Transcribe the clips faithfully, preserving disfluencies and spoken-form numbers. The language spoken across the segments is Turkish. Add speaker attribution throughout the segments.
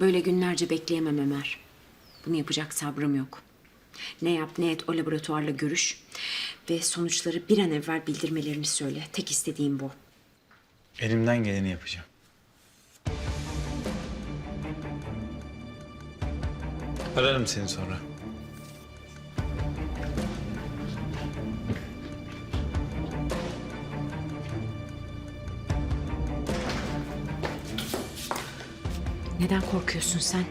Speaker 1: Böyle günlerce bekleyemem Ömer. Bunu yapacak sabrım yok. Ne yap ne et o laboratuvarla görüş ve sonuçları bir an evvel bildirmelerini söyle. Tek istediğim bu.
Speaker 2: Elimden geleni yapacağım. Ararım seni sonra.
Speaker 1: Neden korkuyorsun sen?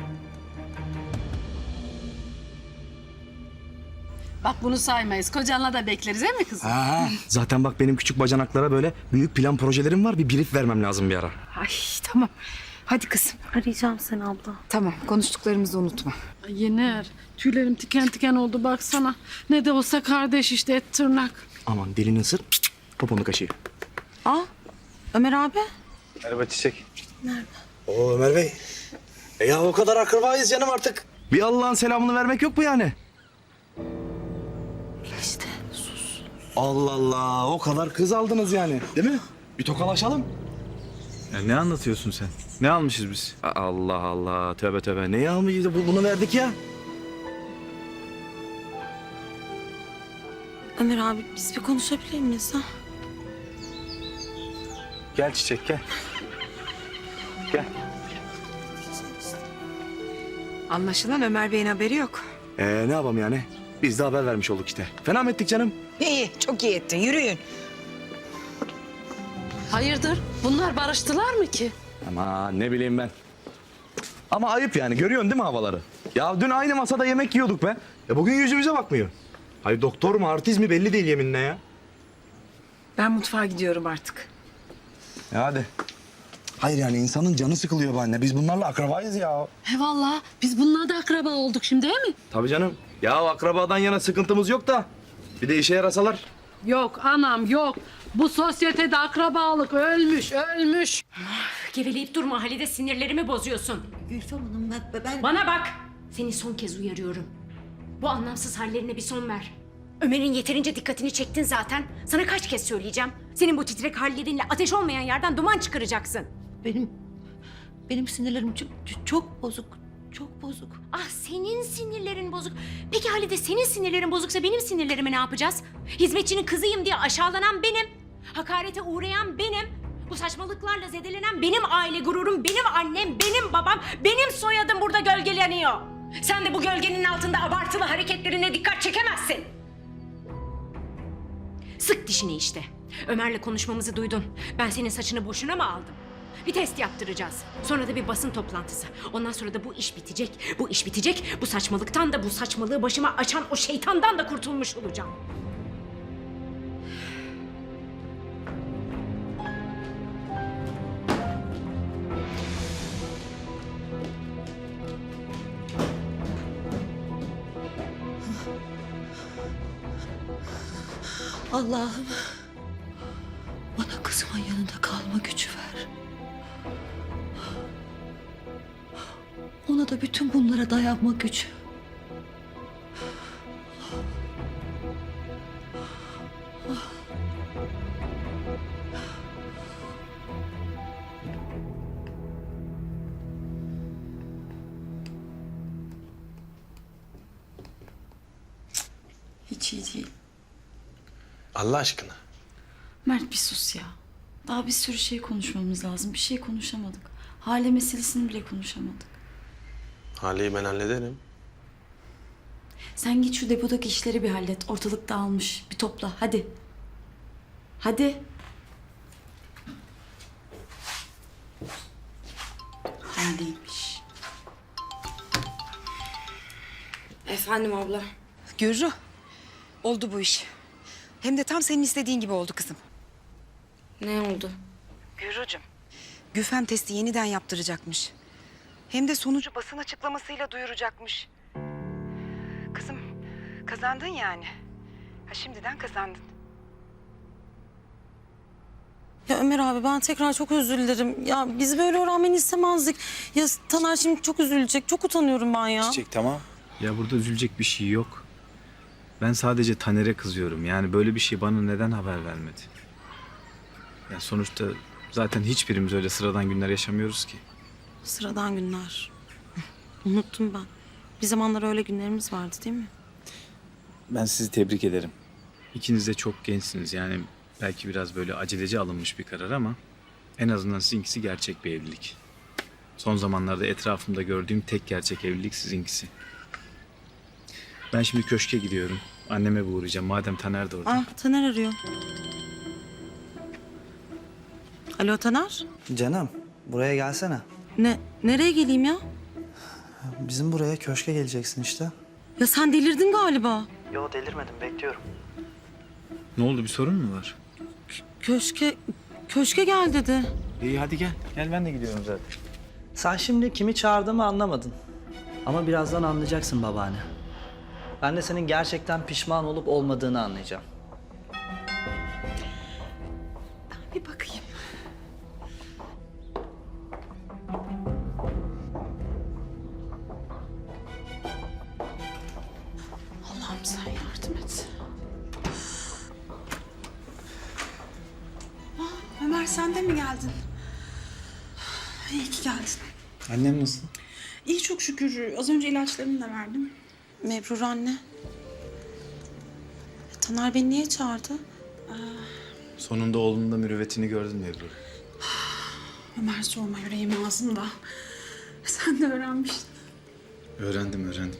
Speaker 3: Bak bunu saymayız. Kocanla da bekleriz değil mi kızım?
Speaker 4: Ha, zaten bak benim küçük bacanaklara böyle büyük plan projelerim var. Bir brief vermem lazım bir ara.
Speaker 5: Ay tamam. Hadi kızım.
Speaker 6: Arayacağım seni abla.
Speaker 5: Tamam, konuştuklarımızı unutma.
Speaker 3: Ay Yener, tüylerim tiken tiken oldu baksana. Ne de olsa kardeş işte, et tırnak.
Speaker 4: Aman dilini ısır, poponu kaşıyı.
Speaker 6: Aa, Ömer abi.
Speaker 2: Merhaba Çiçek.
Speaker 4: Oo Ömer Bey. E ya o kadar akrabayız canım artık. Bir Allah'ın selamını vermek yok mu yani?
Speaker 6: İşte sus.
Speaker 4: Allah Allah, o kadar kız aldınız yani, değil mi? Bir tokalaşalım.
Speaker 2: Ya ne anlatıyorsun sen? Ne almışız biz?
Speaker 4: Allah Allah, tövbe tövbe. Neyi almayız? Bu- Bunu verdik ya.
Speaker 6: Ömer abi biz bir konuşabilir miyiz ha?
Speaker 2: Gel Çiçek gel. Gel.
Speaker 5: Anlaşılan Ömer Bey'in haberi yok.
Speaker 4: Ee ne yapalım yani? Biz de haber vermiş olduk işte. Fena mı ettik canım?
Speaker 5: İyi, çok iyi ettin. Yürüyün.
Speaker 3: Hayırdır? Bunlar barıştılar mı ki?
Speaker 4: Ama ne bileyim ben. Ama ayıp yani, görüyorsun değil mi havaları? Ya dün aynı masada yemek yiyorduk be. Ya bugün yüzümüze bakmıyor. Hayır doktor mu artist mi belli değil yeminle ya.
Speaker 5: Ben mutfağa gidiyorum artık.
Speaker 4: Ya hadi. Hayır yani insanın canı sıkılıyor be anne. Biz bunlarla akrabayız ya.
Speaker 3: He vallahi biz bununla da akraba olduk şimdi değil mi?
Speaker 4: Tabii canım. Ya akrabadan yana sıkıntımız yok da. Bir de işe yarasalar.
Speaker 3: Yok anam yok. Bu sosyetede akrabalık ölmüş, ölmüş.
Speaker 1: Geveleyip durma Halide, sinirlerimi bozuyorsun.
Speaker 7: Gülfem Hanım ben... ben...
Speaker 1: Bana bak! Seni son kez uyarıyorum. Bu anlamsız hallerine bir son ver. Ömer'in yeterince dikkatini çektin zaten. Sana kaç kez söyleyeceğim. Senin bu titrek hallerinle ateş olmayan yerden duman çıkaracaksın.
Speaker 7: Benim... Benim sinirlerim çok, çok bozuk. Çok bozuk.
Speaker 1: Ah, senin sinirlerin bozuk. Peki Halide, senin sinirlerin bozuksa benim sinirlerimi ne yapacağız? Hizmetçinin kızıyım diye aşağılanan benim. Hakarete uğrayan benim. Bu saçmalıklarla zedelenen benim aile gururum, benim annem, benim babam, benim soyadım burada gölgeleniyor. Sen de bu gölgenin altında abartılı hareketlerine dikkat çekemezsin. Sık dişini işte. Ömer'le konuşmamızı duydun. Ben senin saçını boşuna mı aldım? Bir test yaptıracağız. Sonra da bir basın toplantısı. Ondan sonra da bu iş bitecek. Bu iş bitecek. Bu saçmalıktan da, bu saçmalığı başıma açan o şeytandan da kurtulmuş olacağım.
Speaker 7: Allah'ım bana kızımın yanında kalma gücü ver. Ona da bütün bunlara dayanma gücü.
Speaker 6: Hiç iyi değil.
Speaker 8: Allah aşkına.
Speaker 6: Mert bir sus ya. Daha bir sürü şey konuşmamız lazım. Bir şey konuşamadık. Hale meselesini bile konuşamadık.
Speaker 8: Haleyi ben hallederim.
Speaker 6: Sen git şu depodaki işleri bir hallet. Ortalık dağılmış. Bir topla hadi. Hadi. Haldeymiş.
Speaker 5: Efendim abla. Gürru, oldu bu iş. Hem de tam senin istediğin gibi oldu kızım.
Speaker 6: Ne oldu?
Speaker 5: Gürrucuğum. Güfem testi yeniden yaptıracakmış. Hem de sonucu basın açıklamasıyla duyuracakmış. Kızım, kazandın yani. Ha şimdiden kazandın.
Speaker 6: Ya Ömer abi ben tekrar çok özür dilerim. Ya biz böyle öğrenmeni istemezdik. Ya Taner şimdi çok üzülecek. Çok utanıyorum ben ya.
Speaker 2: Çiçek tamam. Ya burada üzülecek bir şey yok. Ben sadece Taner'e kızıyorum. Yani böyle bir şey bana neden haber vermedi? Ya sonuçta zaten hiçbirimiz öyle sıradan günler yaşamıyoruz ki.
Speaker 6: Sıradan günler. Unuttum ben. Bir zamanlar öyle günlerimiz vardı değil mi?
Speaker 2: Ben sizi tebrik ederim. İkiniz de çok gençsiniz. Yani belki biraz böyle aceleci alınmış bir karar ama en azından sizinkisi gerçek bir evlilik. Son zamanlarda etrafımda gördüğüm tek gerçek evlilik sizinkisi. Ben şimdi köşke gidiyorum. Anneme bir uğrayacağım. Madem Taner de orada.
Speaker 6: Ah, Taner arıyor. Alo Taner.
Speaker 9: Canım, buraya gelsene.
Speaker 6: Ne, nereye geleyim ya?
Speaker 9: Bizim buraya köşke geleceksin işte.
Speaker 6: Ya sen delirdin galiba.
Speaker 9: Yo delirmedim, bekliyorum.
Speaker 2: Ne oldu, bir sorun mu var?
Speaker 6: Köşke, köşke gel dedi.
Speaker 2: İyi hadi gel. Gel, ben de gidiyorum zaten.
Speaker 9: Sen şimdi kimi çağırdığımı anlamadın. Ama birazdan anlayacaksın babaanne. Ben de senin gerçekten pişman olup olmadığını anlayacağım.
Speaker 5: Bir bakayım.
Speaker 3: Allah'ım sen yardım et.
Speaker 5: Ömer sen de mi geldin? İyi ki geldin.
Speaker 2: Annem nasıl?
Speaker 5: İyi çok şükür. Az önce ilaçlarını da verdim.
Speaker 6: Mebrur anne. Taner beni niye çağırdı?
Speaker 2: Sonunda oğlunun da mürüvvetini gördün mü Ebru?
Speaker 5: Ömer sorma yüreğim ağzımda. Sen de öğrenmiştin.
Speaker 2: Öğrendim, öğrendim.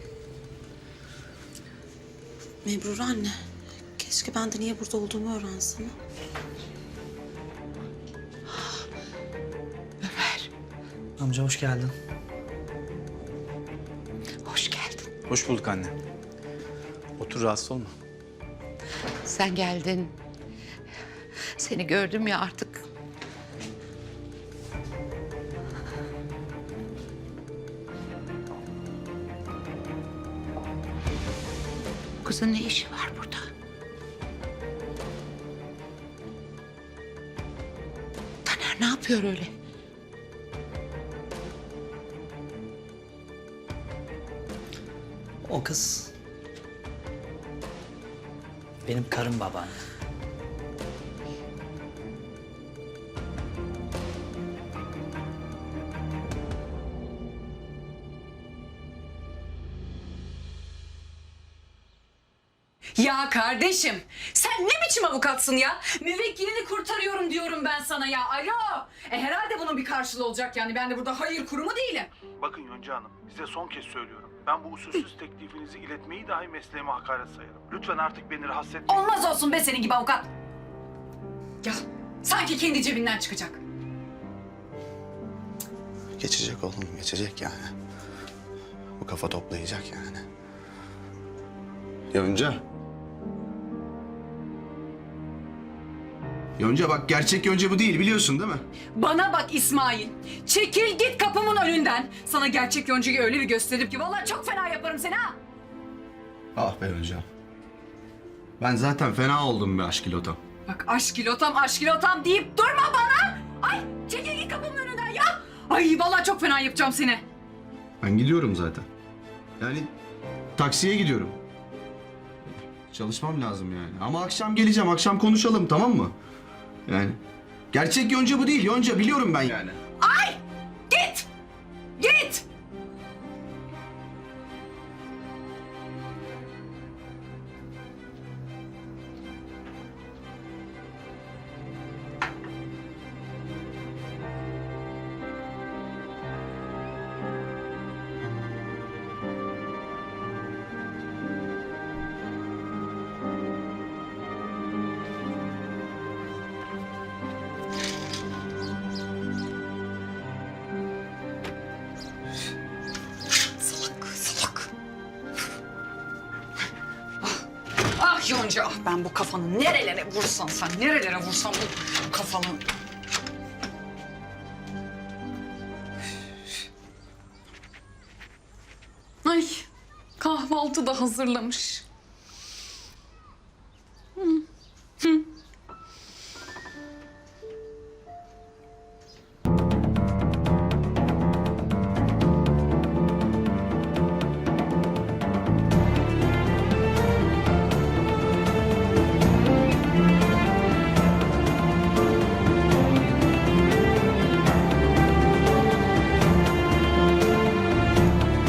Speaker 6: Mebrur anne. Keşke ben de niye burada olduğumu öğrensem.
Speaker 9: Amca hoş geldin.
Speaker 7: Hoş geldin.
Speaker 2: Hoş bulduk anne. Otur, rahatsız olma.
Speaker 7: Sen geldin. Seni gördüm ya artık. Kızın ne işi var burada? Taner ne yapıyor öyle?
Speaker 9: O kız... benim karım babaanne.
Speaker 10: Ya kardeşim, sen ne biçim avukatsın ya? Müvekkilini kurtarıyorum diyorum ben sana ya. Alo. E herhalde bunun bir karşılığı olacak yani. Ben de burada hayır kurumu değilim.
Speaker 11: Bakın Yonca Hanım, size son kez söylüyorum. Ben bu usulsüz teklifinizi iletmeyi dahi mesleğime hakaret sayarım. Lütfen artık beni rahatsız etmeyin.
Speaker 10: Olmaz olsun be senin gibi avukat. Ya sanki kendi cebinden çıkacak.
Speaker 8: Geçecek oğlum, geçecek yani. Bu kafa toplayacak yani. Yonca. Yonca bak, gerçek Yonca bu değil, biliyorsun değil mi?
Speaker 10: Bana bak İsmail. Çekil git kapımın önünden. Sana gerçek Yonca'yı öyle bir gösterip ki vallahi çok fena yaparım seni ha.
Speaker 8: Ah be Yonca. Ben zaten fena oldum be aşkilotam.
Speaker 10: Bak aşkilotam aşkilotam deyip durma bana. Ay çekil git kapımın önünden ya. Ay vallahi çok fena yapacağım seni.
Speaker 8: Ben gidiyorum zaten. Yani taksiye gidiyorum. Çalışmam lazım yani. Ama akşam geleceğim, akşam konuşalım, tamam mı? Yani gerçek Yonca bu değil, Yonca biliyorum ben yani.
Speaker 10: Ay git. Git. Ah Yonca, ben bu kafanı nerelere vursan sen, nerelere vursan bu kafanı... Ay, kahvaltı da hazırlamış.